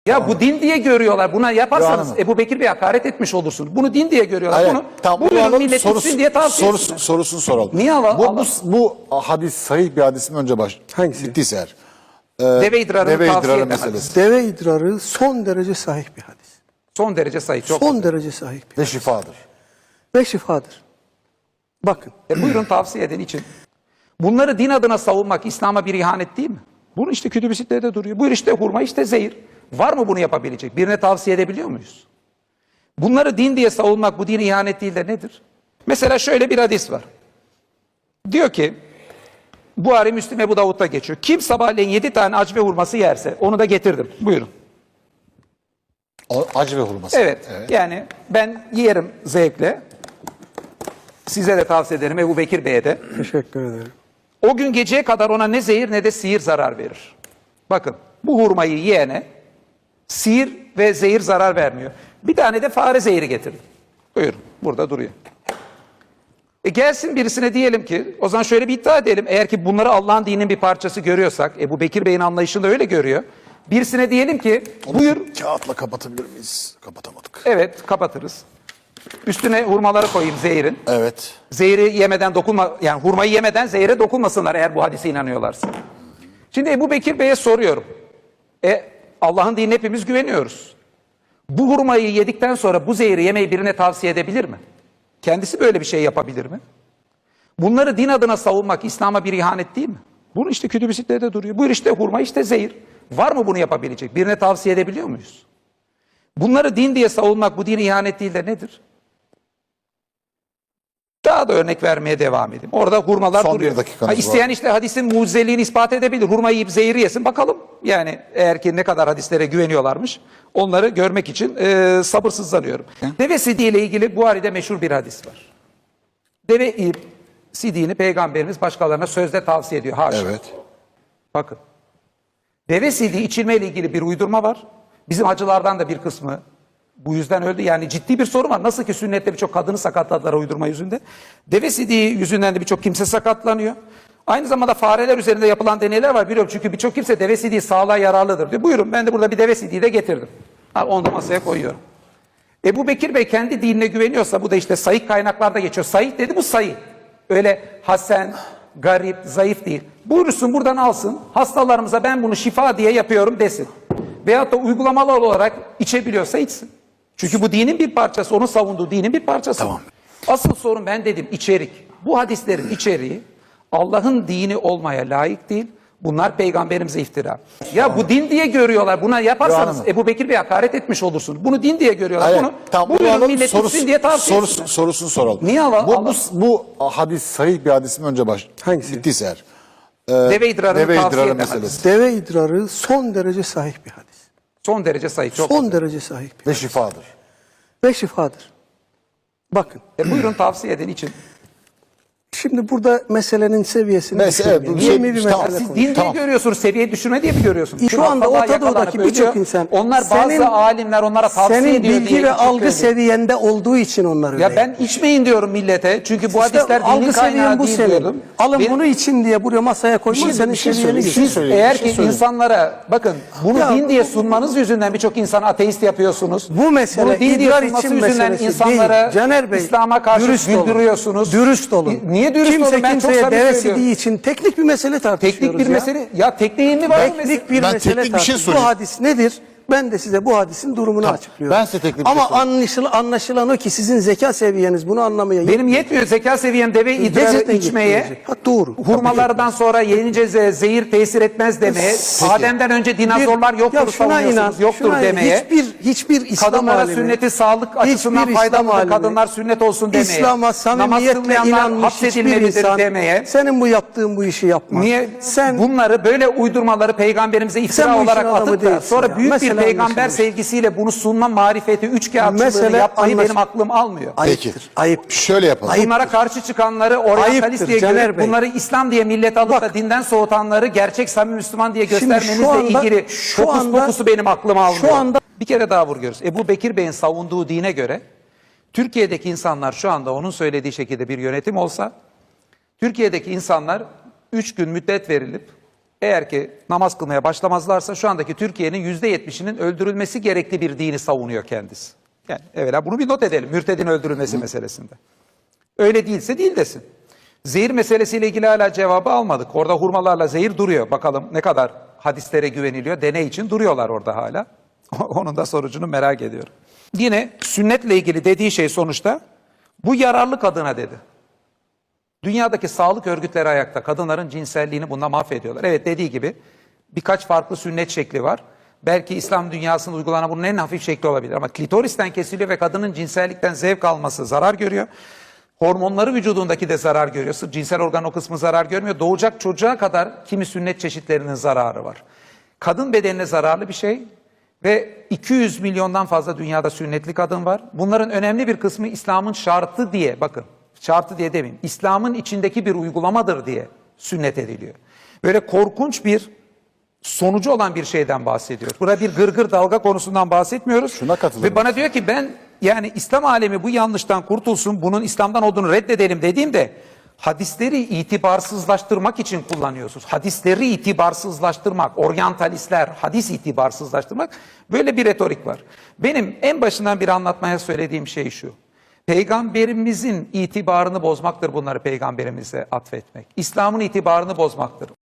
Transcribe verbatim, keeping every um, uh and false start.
Ya bu din diye görüyorlar. Buna yaparsanız Hanım. Ebu Bekir Bey hakaret etmiş olursunuz. Bunu din diye görüyorlar. Hayır, Bunu tamam, buyurun alalım, millet sorusu, gitsin diye tavsiye sorusu, etsinler. sorusunu soralım. Niye ala- bu, ala- bu, bu hadis sahih bir hadis mi önce baş? Hangisi? Gittiyse eğer. Deve idrarını Deve tavsiye idrarı eden meselesi. hadis. Deve idrarı son derece sahih bir hadis. Son derece sahih. Çok. Son derece sahih bir Ve şifadır. ve şifadır. Bakın. E buyurun tavsiye edin için. Bunları din adına savunmak İslam'a bir ihanet değil mi? Bunu işte kütüb-i duruyor. Buyur işte hurma, işte zehir. Var mı bunu yapabilecek? Birine tavsiye edebiliyor muyuz? Bunları din diye savunmak bu dine ihanet değil de nedir? Mesela şöyle bir hadis var. Diyor ki, Buhari, Müslim, Ebu Davud'da geçiyor. Kim sabahleyin yedi tane acve hurması yerse onu da getirdim. Buyurun. O, acı ve hurması. Evet, yani ben yerim zevkle. Size de tavsiye ederim, Ebu Bekir Bey'e de. Teşekkür ederim. O gün geceye kadar ona ne zehir ne de sihir zarar verir. Bakın bu hurmayı yiyene sihir ve zehir zarar vermiyor. Bir tane de fare zehri getirdim. Buyurun, burada duruyor. E gelsin birisine diyelim ki, o zaman şöyle bir iddia edelim. Eğer ki bunları Allah'ın dininin bir parçası görüyorsak, Ebu Bekir Bey'in anlayışında öyle görüyor. Birisine diyelim ki, Onu buyur. kağıtla kapatabilir miyiz? Kapatamadık. Evet, kapatırız. Üstüne hurmaları koyayım zehirin. Evet. Zehri yemeden dokunma, yani hurmayı yemeden zehire dokunmasınlar eğer bu hadise inanıyorlarsa. Şimdi Ebu Bekir Bey'e soruyorum. E Allah'ın dinine hepimiz güveniyoruz. Bu hurmayı yedikten sonra bu zehri yemeyi birine tavsiye edebilir mi? Kendisi böyle bir şey yapabilir mi? Bunları din adına savunmak İslam'a bir ihanet değil mi? Bunu işte kütüb-i duruyor. Buyur işte hurma, işte zehir. Var mı bunu yapabilecek? Birine tavsiye edebiliyor muyuz? Bunları din diye savunmak bu dine ihanet değil de nedir? Daha da örnek vermeye devam edeyim. Orada hurmalar Son duruyor. bir dakikamız Ha, isteyen var. işte hadisin mucizeliğini ispat edebilir. Hurmayı yiyip zehri yesin. Bakalım yani eğer ki ne kadar hadislere güveniyorlarmış. Onları görmek için e, sabırsızlanıyorum. Deve sidiği ile ilgili Buhari'de meşhur bir hadis var. Deve sidiğini Peygamberimiz başkalarına sözde tavsiye ediyor. Haşa. Evet. Bakın. Deve sidiği içilmeyle ilgili bir uydurma var. Bizim hacılardan da bir kısmı bu yüzden öldü. Yani ciddi bir sorun var. Nasıl ki sünnette birçok kadını sakatladılar uydurma yüzünde. Deve sidiği yüzünden de birçok kimse sakatlanıyor. Aynı zamanda fareler üzerinde yapılan deneyler var. Biliyorum çünkü birçok kimse deve sidiği sağlığa yararlıdır diyor. Buyurun ben de burada bir deve sidiği de getirdim. Ha, onu da masaya koyuyorum. Ebu Bekir Bey kendi dinine güveniyorsa bu da işte sahih kaynaklarda geçiyor. Sahih dedi bu sahih. Öyle hasen, garip, zayıf değil. Buyursun buradan alsın. Hastalarımıza ben bunu şifa diye yapıyorum desin. Veyahut da uygulamalı olarak içebiliyorsa içsin. Çünkü bu dinin bir parçası. Onun savunduğu dinin bir parçası. Tamam. Asıl sorun ben dedim içerik. Bu hadislerin içeriği Allah'ın dini olmaya layık değil. Bunlar peygamberimize iftira. Ya bu din diye görüyorlar. Buna yaparsanız Hanım. Ebu Bekir Bey hakaret etmiş olursunuz. Bunu din diye görüyorlar. Hayır, Bunu tamam, buyurun alalım, millet sorusu, gitsin diye tavsiye sorusu, etsinler. sorusunu soralım. Niye ala- bu, ala- bu, bu hadis sahih bir hadis mi önce baş? Hangisi? Gittiyse eğer. Deve idrarını Deve tavsiye idrarı eden meselesi. hadis. Deve idrarı son derece sahih bir hadis. Son derece sahih. Çok. Son derece sahih bir Ve şifadır. ve şifadır. Bakın. E buyurun tavsiye edin için. Şimdi burada meselenin seviyesini Mesele- düşürmeyelim. bu şey- Yeni bir tamam. mesele Siz konuşalım. din diye Tamam. görüyorsunuz, seviye düşürme diye mi görüyorsunuz? Şu anda hastalığa Orta Doğu'daki yakalanıp birçok ölüyor. insan Onlar bazı senin- alimler onlara tavsiye Senin ediyor bilgi diye ve küçük algı görüyor. seviyende olduğu için onları Ya ben içmeyin diyorum millete. Çünkü bu İşte hadisler dinin algı kaynağı seviyen bu değil senin. diyordum. Alın Benim- bunu için diye buraya masaya koyman şey- senin bir şey seviyeni söyleyeyim, gösteriyor. bir şey söyleyeyim. Eğer bir şey ki söyleyeyim. insanlara bakın bunu Ya- din diye sunmanız yüzünden birçok insan ateist yapıyorsunuz. Bu mesele bunu din diye idrar sunması için yüzünden meselesi insanlara değil. Caner Bey, İslam'a karşı dürüst olun. güldürüyorsunuz. Dürüst olun. Niye dürüst Kimse olun? Ben çok kimseye samimi deve söylüyorum. sidiği için teknik bir mesele tartışıyoruz Teknik bir ya. mesele. Ya tekniğin mi var? bu mesele? Teknik bir Ben mesele teknik bir şey tartışıyoruz. Bu sorayım. hadis nedir? Ben de size bu hadisin durumunu Tamam, açıklıyorum. ben size teknik bir Ama şey sorayım. anlaşılan, anlaşılan o ki sizin zeka seviyeniz bunu anlamaya Benim yetmiyor zeka seviyem deve idrarı Gerçekten içmeye. yetmeyecek. Ha, doğru. Hurmalardan sonra yenince ze- zehir tesir etmez demeye. Adem'den önce dinozorlar Bir- yoktur ya şuna inan, savunuyorsunuz. Yoktur şuna inan. demeye. Hiçbir, hiçbir İslam Kadınlara alimi, sünneti sağlık açısından hiçbir faydalıdır. İslam alimi, Kadınlar sünnet olsun demeye. İslam'a Namaz samimiyetle kılmayanlar inanmış hiçbir hapsedilmelidir insan demeye. senin bu yaptığın bu işi yapmaz. Niye Sen bunları böyle uydurmaları peygamberimize Sen iftira bu işin olarak adamı atıp da değilsin sonra ya. büyük Mesele bir peygamber anlaşılmış. sevgisiyle bunu sunma marifeti, üçkağıtçılığını Mesele yapmayı anlaş- benim aklım almıyor. Peki. ayıptır. Ayıp. Şöyle yapalım. Ayıp. Bunlara karşı çıkanları oryantalist Ayıptır diye Caner görüp Bey. bunları İslam diye millet alıp Bak. da dinden soğutanları gerçek samimi Müslüman diye Şimdi göstermenizle şu anda- ilgili şu fokus anda- fokusu benim aklım almıyor. şu anda- Bir kere daha vurguyoruz. Ebu Bekir Bey'in savunduğu dine göre Türkiye'deki insanlar şu anda onun söylediği şekilde bir yönetim olsa Türkiye'deki insanlar üç gün müddet verilip Eğer ki namaz kılmaya başlamazlarsa şu andaki Türkiye'nin yüzde yetmişinin öldürülmesi gerekli bir dini savunuyor kendisi. Yani evvela bunu bir not edelim. Mürtedin öldürülmesi meselesinde. Öyle değilse değil desin. Zehir meselesiyle ilgili hala cevabı almadık. Orada hurmalarla zehir duruyor. Bakalım ne kadar hadislere güveniliyor. Deney için duruyorlar orada hala. Onun da sonucunu merak ediyorum. Yine sünnetle ilgili dediği şey sonuçta bu yararlı kadına dedi. Dünyadaki sağlık örgütleri ayakta. Kadınların cinselliğini bunda mahvediyorlar. Evet, dediği gibi birkaç farklı sünnet şekli var. Belki İslam dünyasında uygulanan bunun en hafif şekli olabilir. Ama klitoristen kesiliyor ve kadının cinsellikten zevk alması zarar görüyor. Hormonları vücudundaki de zarar görüyor. Sırf cinsel organ o kısmı zarar görmüyor. Doğacak çocuğa kadar kimi sünnet çeşitlerinin zararı var. Kadın bedenine zararlı bir şey ve iki yüz milyondan fazla dünyada sünnetli kadın var. Bunların önemli bir kısmı İslam'ın şartı diye, bakın şartı diye demeyeyim, İslam'ın içindeki bir uygulamadır diye sünnet ediliyor. Böyle korkunç bir sonucu olan bir şeyden bahsediyoruz. Burada bir gırgır dalga konusundan bahsetmiyoruz. Şuna katılıyorum. Ve bana diyor ki ben yani İslam alemi bu yanlıştan kurtulsun, bunun İslam'dan olduğunu reddedelim dediğimde hadisleri itibarsızlaştırmak için kullanıyorsunuz. Hadisleri itibarsızlaştırmak, oryantalistler, hadis itibarsızlaştırmak, böyle bir retorik var. Benim en başından bir anlatmaya söylediğim şey şu. Peygamberimizin itibarını bozmaktır bunları peygamberimize atfetmek. İslam'ın itibarını bozmaktır.